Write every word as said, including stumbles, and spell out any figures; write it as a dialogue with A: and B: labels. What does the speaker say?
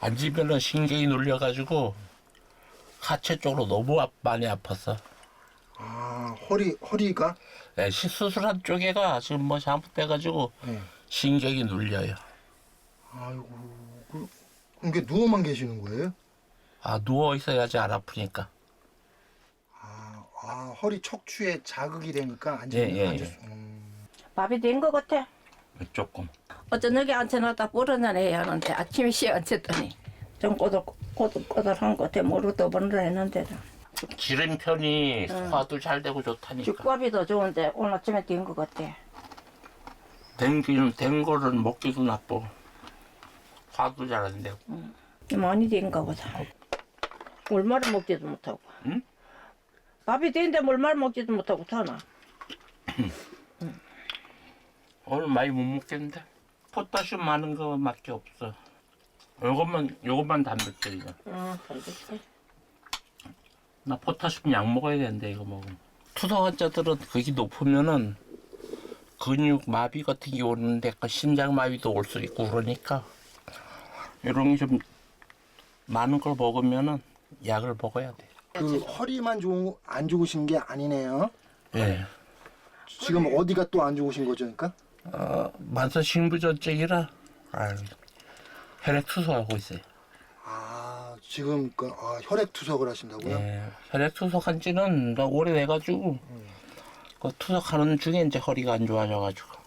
A: 앉으면은 신경이 눌려가지고 하체 쪽으로 너무 아, 많이 아팠어.
B: 아, 허리, 허리가?
A: 네, 시- 수술한 쪽에가 지금 뭐 잘못돼가지고
B: 네.
A: 신경이 눌려요.
B: 아이고, 그, 그럼 게 누워만 계시는 거예요?
A: 아, 누워 있어야지 안 아프니까.
B: 아, 아 허리 척추에 자극이 되니까 앉으,
A: 예, 예,
B: 앉을
A: 예.
B: 수, 음.
C: 밥이 된 것 같아.
A: 조금.
C: 어저녁에 앉혀놨다 불어내야 하는데 아침에 씨 앉혔더니 좀 꼬들, 꼬들꼬들한 것 같아. 모르 또 번을 했는데도.
A: 지른 편이 소화도 잘 되고 좋다니까.
C: 죽밥이 더 좋은데 오늘 아침에 된 것 같아.
A: 된, 된 거는 먹기도 나빠. 화도 잘 안 되고.
C: 많이 된가 보다. 물말을 먹지도 못하고.
A: 응?
C: 밥이 된데 물말 먹지도 못하고 타나.
A: 오늘 많이 못 먹겠는데? 포타슘 많은 거밖에 없어. 요것만, 요것만 단백질이야.
C: 응, 알겠지.
A: 나 포타슘 약 먹어야 되는데, 이거 먹으면. 투석 환자들은 그게 높으면은 근육 마비 같은 게 오는데, 그 심장 마비도 올 수 있고 그러니까, 이런 게 좀 많은 걸 먹으면은 약을 먹어야 돼.
B: 그 허리만 좋은, 안 좋으신 게 아니네요.
A: 예.
B: 지금 어디가 또 안 좋으신 거죠, 그러니까?
A: 어, 만성신부전증이라, 아유, 혈액 투석하고 있어요.
B: 아, 지금 그 아, 혈액 투석을 하신다고요?
A: 예, 혈액 투석한 지는 나 오래돼가지고, 그 투석하는 중에 이제 허리가 안 좋아져가지고.